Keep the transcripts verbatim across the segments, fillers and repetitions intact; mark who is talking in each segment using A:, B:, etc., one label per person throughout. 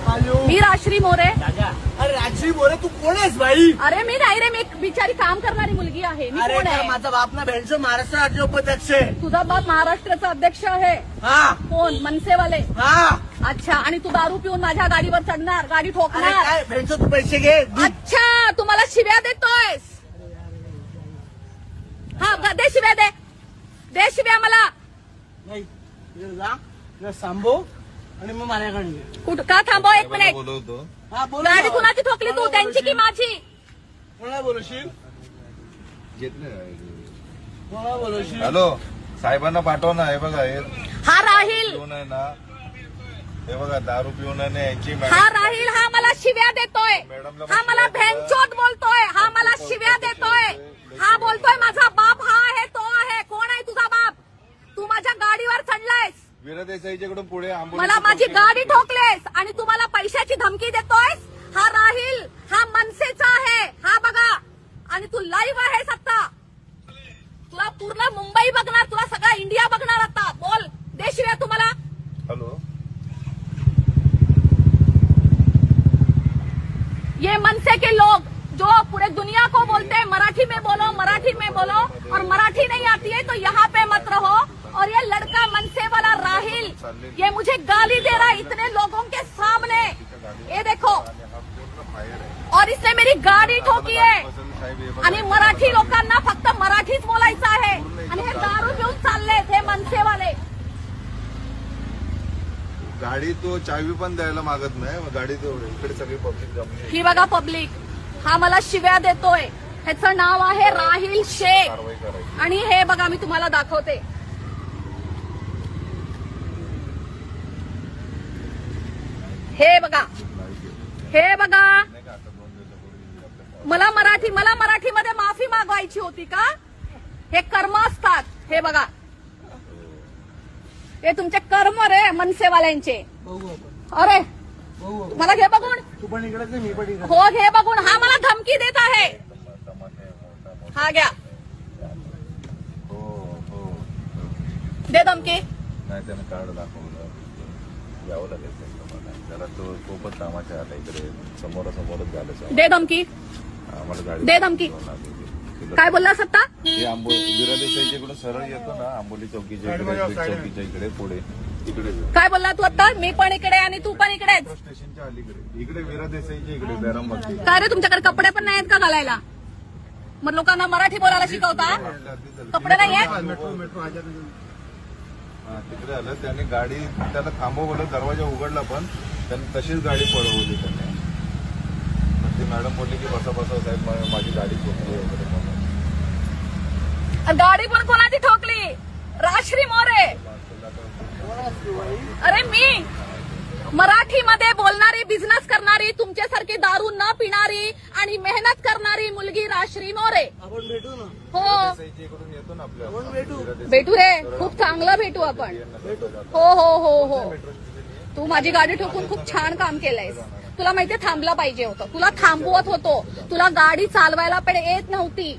A: मी राश्री मोरे.
B: अरे राश्री मोरे तू कोण आहेस भाई?
A: अरे मी नाही रे, मी एक बिचारी काम करणारी मुलगी आहे. मी कोण आहे?
B: माझा बाप ना भेंडचं महाराष्ट्र राज्य उपाध्यक्ष आहे.
A: तुझा बाप महाराष्ट्राचा अध्यक्ष आहे?
B: हा.
A: कोण? मनसेवाले?
B: हा.
A: अच्छा, आणि तू दारू पिऊन माझ्या गाडीवर चढणार, गाडी ठोकणार?
B: काय भेंडचं तू पैसे घे.
A: अच्छा, तू मला शिव्या देतोयस? हा, दे शिव्या, दे दे शिव्या मला.
B: नाही जा सांभो आणि मग माझ्याकडे
A: कुठं का थांबव एक मिनिट.
C: बोलवतो.
B: हा बोल.
A: गाडी कुणाची ठोकली तू, त्यांची की माझी?
B: कोणाला बोलवशील? कोणाला बोलवशील?
C: हॅलो, साहेबांना पाठव ना. हे बघा, हे
A: हा राहील,
C: पिऊन आहे ना, हे बघा दारू पिऊन आहे यांची.
A: हा राहील, हा मला शिव्या देतोय, हा मला भेंचोद बोलतोय, हा मला शिव्या देतोय, हा बोलतोय माझा बाप हा आहे, तो आहे. कोण आहे तुझा बाप? तू माझ्या गाडीवर चढलायस,
C: वीरा देसाईच्याकडून पुढे
A: मला माझी गाडी ठोकलेस आणि तू मला पैशाची धमकी देतोयस. हा राहील, हा मनसेचा आहे, हा बघा. आणि तू लाईव्ह आहेस आता. तुला पूर्ण मुंबई बघणार, तुला सगळा इंडिया बघणार आता. बोल, दे शिव्या तुम्हाला.
C: हॅलो,
A: ये मनसे के लोग जो पूरे दुनिया को बोलते हैं मराठी में बोलो, मराठी में बोलो, और मराठी नहीं आती है तो यहाँ पे मत रहो. और ये लड़का मनसे वाला राहिल, ये मुझे गाली दे रहा है इतने लोगों के सामने. ये देखो, और इसने मेरी गाडी ठोकी आहे. आणि मराठी लोकांना फक्त मराठीच बोलायचं आहे. आणि हे दारू घेऊन चाललेत हे मनसेवाले.
C: गाडी तो चावी पण द्यायला मागत नाही. गाडी तो इकडे सगळी पब्लिक जमली.
A: ही बघा पब्लिक, हा मला शिव्या देतोय. ह्याचं नाव आहे राहिल शेख. आणि हे बघा, मी तुम्हाला दाखवते. हे बघा, हे बघा. मला मराठी मला मराठीमध्ये माफी मागवायची होती का? हे कर्म असतात. हे बघा, हे तुमचे कर्म रे मनसेवाल्यांचे. अरे मला घे बघून.
B: तू पण इकडेच मी पण इकडे.
A: हो घे बघून. हा मला धमकी देत आहे. हा घ्या, दे धमकी.
C: नाही, त्यानं कार्ड दाखवलं. यावं लागेल त्याला. तो खूपच कामाच्या आला इकडे. समोरासमोरच झालं.
A: दे धमकी,
C: आम्हाला गाडी
A: दे धमकी. काय बोलला सत्ता?
C: हे आंबोली वीरा देसाईच्या इकडून सरळ येतो ना, आंबोली चौकीच्या इकडे, चौकीच्या इकडे पुढे इकडे.
A: काय बोलला तू आता? मी पण इकडे आणि तू पण इकडेच.
C: स्टेशनच्या अलीकडे इकडे वीरा देसाईच्या इकडे बॅरममध्ये.
A: काय रे, तुमच्याकडे कपडे पण नाही आहेत का घालायला? मग लोकांना मराठी बोलायला शिकवता? कपडे नाही आहेत?
B: मेट्रो मेट्रो
C: तिकडे आलं. त्याने गाडी त्याला थांबवलं, दरवाजा उघडला, पण त्यांनी तशीच गाडी पळवली त्याने. ती मॅडम बोलली की बसा बसा साहेब, माझी गाडी ठोकली वगैरे म्हणून.
A: गाडी पण कोणाची ठोकली? राश्री मोरे. अरे मी मराठीमध्ये बोलणारी, बिझनेस करणारी, तुमच्यासारखी दारू न पिणारी आणि मेहनत करणारी मुलगी राश्री मोरे.
B: आपण भेटू ना.
A: हो
C: इकडून येतो ना आपल्या.
B: आपण भेटू.
A: भेटू रे, खूप चांगलं भेटू आपण. हो हो हो हो. तू माझी गाडी ठोकून खूप छान काम केलंयस. तुला माहितीये थांबला पाहिजे होतं. तुला थांबवत होतो. तुला गाडी चालवायला पण येत नव्हती.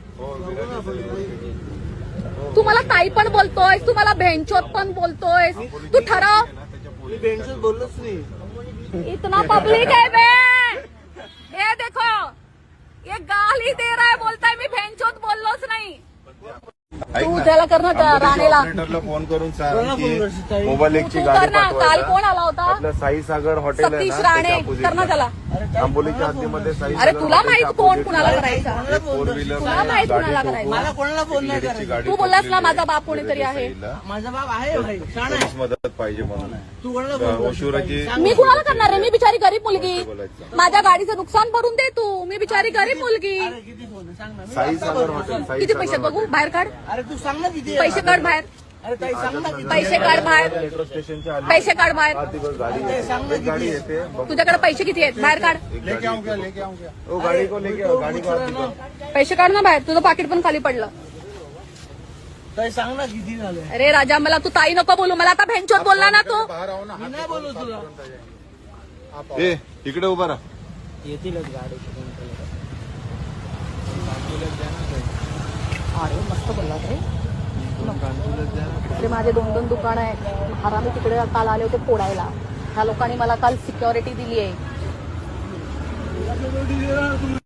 A: तू मला ताई पण बोलतोयस, तू मला भेंचोत पण बोलतोयस. तू ठरव.
B: मी भेंडच बोललोच नाही.
A: इतना पब्लिक है बे. ये देखो, ये गाली दे रहा है, बोलताय मी भेंचोत बोललोच नाही. तू त्याला कर ना, राणेला
C: ऑपरेटरला फोन करून सांग की मोबाईल एकची
A: तू
C: गाडी
A: कर ना. काल
C: पाठवायला.
A: कोण आला होता?
C: आपलं साई सागर हॉटेल आहे
A: सतीश
C: ना,
A: राणे.
C: त्याच्या
A: कर ना
C: opposite ला.
A: त्याला.
C: आंबोलीच्या हद्दीमध्ये साई
A: अरे
C: सागर
A: तुला
C: हॉटेलच्या
A: माहित कोण
C: opposite
A: कुणाला
C: ला
A: करायचा?
C: फोर व्हीलर
A: तुला माहित
C: गाडी
A: कुणाला
C: ठोकून
A: करायचं?
B: मला कोणाला फोन नाही
C: भिडेची
B: करायचा.
C: गाडी
A: तू बोललास ना
C: ठोकलेली
A: माझा बाप कोणीतरी आहे.
C: देसाईला.
B: माझा बाप आहे भाई, छान आहे.
C: पोलीस मदत पाहिजे म्हणून.
B: तू कोणाला फोन
C: ओशिवराची
A: मी कुणाला करणार आहे? मी बिचारी गरीब मुलगी. माझ्या गाडीचं नुकसान भरून दे तू. मी बिचारी गरीब मुलगी.
B: किती फोन आहे? सांग ना. मी
C: साई सागर हॉटेल. साई
A: किती
C: सागर
A: पैसे बघू?
C: हॉटेल.
A: बाहेर काढ.
B: अरे तू सांग ना किती आहे?
A: पैसे काढ बाहेर.
B: अरे ताई सांग ना किती?
A: पैसे काढ बाहेर.
C: मेट्रो स्टेशनच्या आली.
A: पैसे काढ बाहेर.
C: हा, तिकडे गाडी येते. एक गाडी येते. बघ.
A: तुझ्याकडे पैसे किती आहेत? बाहेर काढ.
C: लेके आऊंगा लेके आऊंगा. ओ गाडी को लेके आओ, गाडी को आती.
A: पैसे काढ ना बाहेर. तुझं पाकिट पण खाली पडलं.
B: ताई सांग ना किती झाले?
A: अरे राजा, मला तू ताई नको बोलू. मला आता भेंचोत बोलला ना तू.
B: मी नाही बोलू तुला.
C: ए इकडे उभा राहा.
B: येतीलच गाडी.
A: अरे मस्त बोलला रे. अरे माझे दोन दोन दुकान आहेत. हरामी तिकडे काल आले होते फोडायला. ह्या लोकांनी मला काल सिक्युरिटी दिली आहे.